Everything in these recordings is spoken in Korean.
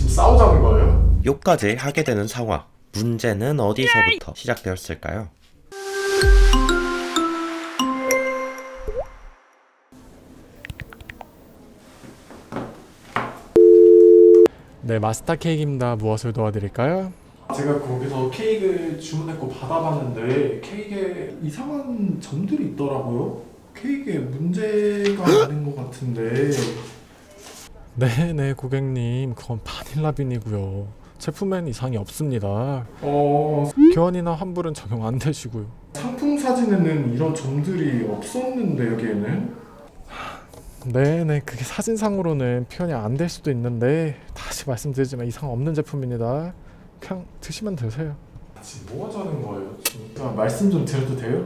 지금 싸우자는 거예요? 욕까지 하게 되는 상황. 문제는 어디서부터 시작되었을까요? 네, 마스터 케이크입니다. 무엇을 도와드릴까요? 제가 거기서 케이크 주문했고 받아봤는데 케이크에 이상한 점들이 있더라고요. 케이크에 문제가 있는 것 같은데. 네, 고객님. 그건 바닐라빈이고요. 제품엔 이상이 없습니다. 교환이나 환불은 적용 안 되시고요. 상품 사진에는 이런 점들이 없었는데 여기에는? 네, 그게 사진상으로는 표현이 안 될 수도 있는데 다시 말씀드리지만 이상 없는 제품입니다. 그냥 드시면 되세요. 지금 뭐 하자는 거예요? 진짜 말씀 좀 드려도 돼요?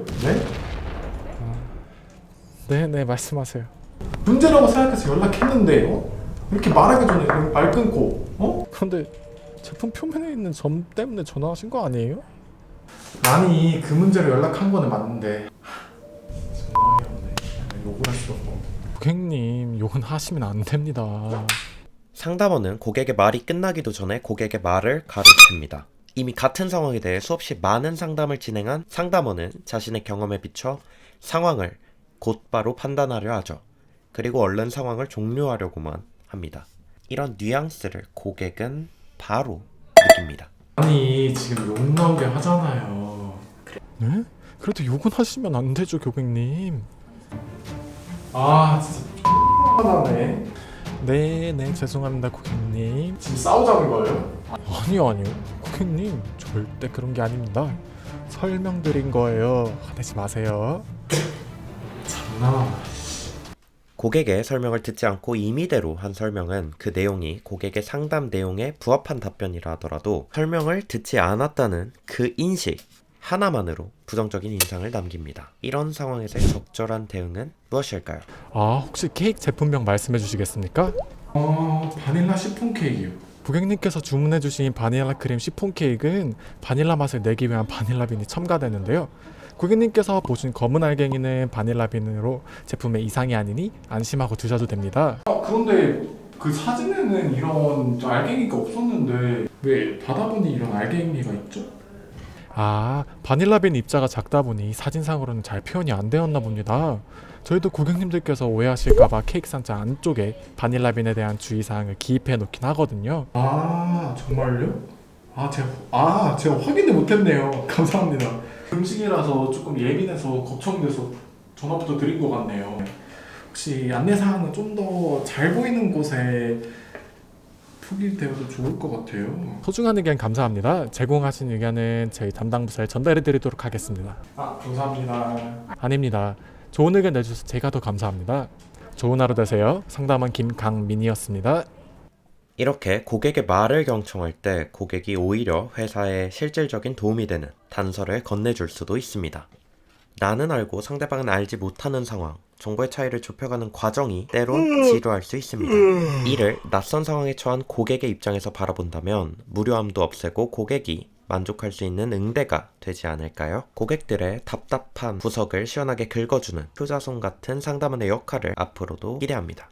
네? 네, 말씀하세요. 문제라고 생각해서 연락했는데 이렇게 말하기 전에 그냥 말 끊고 그런데 제품 표면에 있는 점 때문에 전화하신 거 아니에요? 아니 그 문제로 연락한 거는 맞는데 정말 없네. 욕을 할 수도 없고. 고객님, 욕은 하시면 안 됩니다. 상담원은 고객의 말이 끝나기도 전에 고객의 말을 가로챕니다. 이미 같은 상황에 대해 수없이 많은 상담을 진행한 상담원은 자신의 경험에 비춰 상황을 곧바로 판단하려 하죠. 그리고 얼른 상황을 종료하려고만 합니다. 이런 뉘앙스를 고객은 바로 느낍니다. 아니 지금 욕 나오게 하잖아요. 네? 그래도 욕은 하시면 안 되죠, 고객님. 아 진짜 X하네. 네, 죄송합니다, 고객님. 지금 싸우자는 거예요? 아니요. 고객님, 절대 그런 게 아닙니다. 설명드린 거예요. 화내지 마세요. 장난. 고객의 설명을 듣지 않고 임의대로 한 설명은 그 내용이 고객의 상담 내용에 부합한 답변이라 하더라도 설명을 듣지 않았다는 그 인식 하나만으로 부정적인 인상을 남깁니다. 이런 상황에서의 적절한 대응은 무엇일까요? 혹시 케이크 제품명 말씀해 주시겠습니까? 바닐라 시폰 케이크요. 고객님께서 주문해 주신 바닐라 크림 시폰 케이크는 바닐라 맛을 내기 위한 바닐라빈이 첨가되는데요. 고객님께서 보신 검은 알갱이는 바닐라빈으로 제품에 이상이 아니니 안심하고 드셔도 됩니다. 그런데 그 사진에는 이런 알갱이가 없었는데 왜 받아보니 이런 알갱이가 있죠? 바닐라빈 입자가 작다 보니 사진상으로는 잘 표현이 안 되었나 봅니다. 저희도 고객님들께서 오해하실까봐 케이크 상자 안쪽에 바닐라빈에 대한 주의사항을 기입해 놓긴 하거든요. 정말요? 제가 확인을 못했네요. 감사합니다. 음식이라서 조금 예민해서 걱정돼서 전화부터 드린 것 같네요. 혹시 안내사항은 좀 더 잘 보이는 곳에 표기되어도 좋을 것 같아요. 소중한 의견 감사합니다. 제공하신 의견은 저희 담당 부서에 전달해 드리도록 하겠습니다. 감사합니다. 아닙니다. 좋은 의견 내주셔서 제가 더 감사합니다. 좋은 하루 되세요. 상담원 김강민이었습니다. 이렇게 고객의 말을 경청할 때 고객이 오히려 회사에 실질적인 도움이 되는 단서를 건네줄 수도 있습니다. 나는 알고 상대방은 알지 못하는 상황, 정보의 차이를 좁혀가는 과정이 때론 지루할 수 있습니다. 이를 낯선 상황에 처한 고객의 입장에서 바라본다면 무료함도 없애고 고객이 만족할 수 있는 응대가 되지 않을까요? 고객들의 답답한 구석을 시원하게 긁어주는 효자손 같은 상담원의 역할을 앞으로도 기대합니다.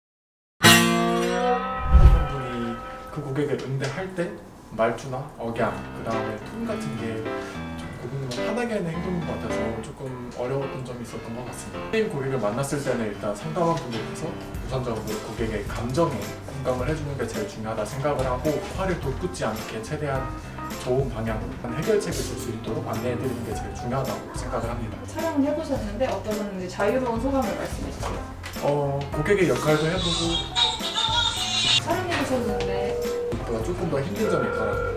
분이 그 고객을 응대할 때 말투나 억양, 그 다음에 톤 같은 게 좀 고객님을 화나게 하는 행동인 것 같아서 조금 어려웠던 점이 있었던 것 같습니다. 게임 고객을 만났을 때는 일단 상담한 분들께서 우선적으로 고객의 감정에 공감을 해주는 게 제일 중요하다 생각을 하고 화를 돋구지 않게 최대한 좋은 방향으로 해결책을 줄 수 있도록 안내해드리는 게 제일 중요하다고 생각을 합니다. 촬영을 해보셨는데 어떠셨는지 자유로운 소감을 말씀해 주세요. 고객의 역할도 해보고 촬영해보셨는데 조금 더 힘든 점이 있더라고요.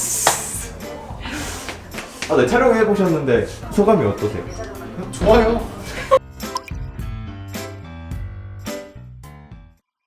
네, 촬영해 보셨는데 소감이 어떠세요? 좋아요.